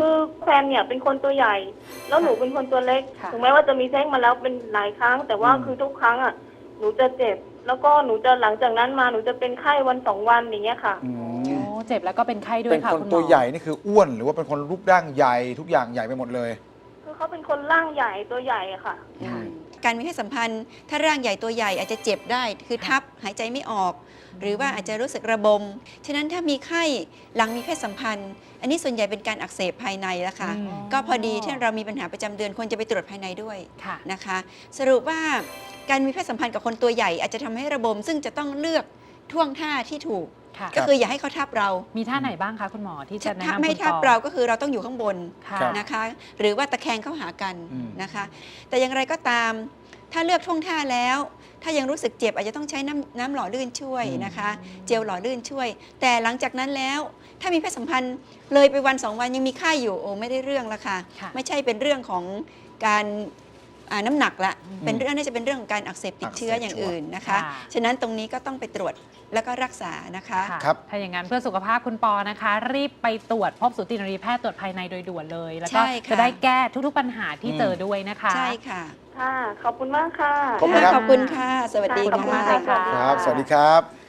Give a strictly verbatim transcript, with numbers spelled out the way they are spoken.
คือแฟนเนี่ยเป็นคนตัวใหญ่แล้วหนูเป็นคนตัวเล็กถึงแม้ว่าจะมีแท้งมาแล้วเป็นหลายครั้งแต่ว่าคือทุกครั้งอ่ะหนูจะเจ็บแล้วก็หนูจะหลังจากนั้นมาหนูจะเป็นไข้วันสองวันอย่างเงี้ยค่ะอืโอ้มเจ็บแล้วก็เป็นไข้ด้วเป็ยนค่ะคนคุณหมอตัวใหญ่นี่คืออ้วนหรือว่าเป็นคนรูปร่างใหญ่ทุกอย่างใหญ่ไปหมดเลยคือเขาเป็นคนร่างใหญ่ตัวใหญ่อะค่ะอืมการมีเพศสัมพันธ์ถ้าร่างใหญ่ตัวใหญ่อาจจะเจ็บได้คือทับหายใจไม่ออก หรือว่าอาจจะรู้สึกระบมฉะนั้นถ้ามีไข้หลังมีเพศสัมพันธ์ อันนี้ส่วนใหญ่เป็นการอักเสบภายในแล้วค่ะอืมก็พอดีที่เรามีปัญหาประจำเดือนควรจะไปตรวจภายในด้วยค่ะนะคะ สรุปว่าการมีเพศสัมพันธ์กับคนตัวใหญ่อาจจะทำให้ระบม ซึ่งจะต้องเลือกท่วงท่าที่ถูกค่ะก็คืออย่าให้เขาทับเรามีท่าไหนบ้างคะคุณหมอที่จะแนะถ้านำไม่คุณทับปอเราก็คือเราต้องอยู่ข้างบนค่ะครับนะคะ หรือว่าตะแคงเข้าหากันอืมนะคะ แต่อย่างไรก็ตาม ถ้าเลือกท่วงท่าแล้ว ถ้ายังรู้สึกเจ็บอาจจะต้องใช้น้ำน้ำหล่อลื่นช่วยนะคะ เจลหล่อลื่นช่วย แต่หลังจากนั้นแล้ว ถ้ามีเพศสัมพันธ์เลยไปวันสองวันยังมีไข้อยู่โอ้ไม่ได้เรื่องละค่ะค่ะไม่ใช่เป็นเรื่องของการอ่าน้ำหนักละอืมเป็นเรื่องน่าจะเป็นเรื่องของการอักเสบติดเชื้ออักเสบอย่างอื่นนะคะค่ะฉะนั้นตรงนี้ก็ต้องไปตรวจแล้วก็รักษานะคะค่ะครับถ้าอย่างนั้นเพื่อสุขภาพคุณปอนะคะ รีบไปตรวจพบสูตินรีแพทย์ตรวจภายในโดยด่วนเลย แล้วก็ใช่ค่ะจะได้แก้ทุกๆปัญหาที่อืมเจอด้วยนะคะใช่ค่ะค่ะ ขอบคุณมากค่ะขอบคุณครับขอบคุณค่ะ สวัสดีขอบคุณค่ะมากเลยค่ะครับ สวัสดีครับ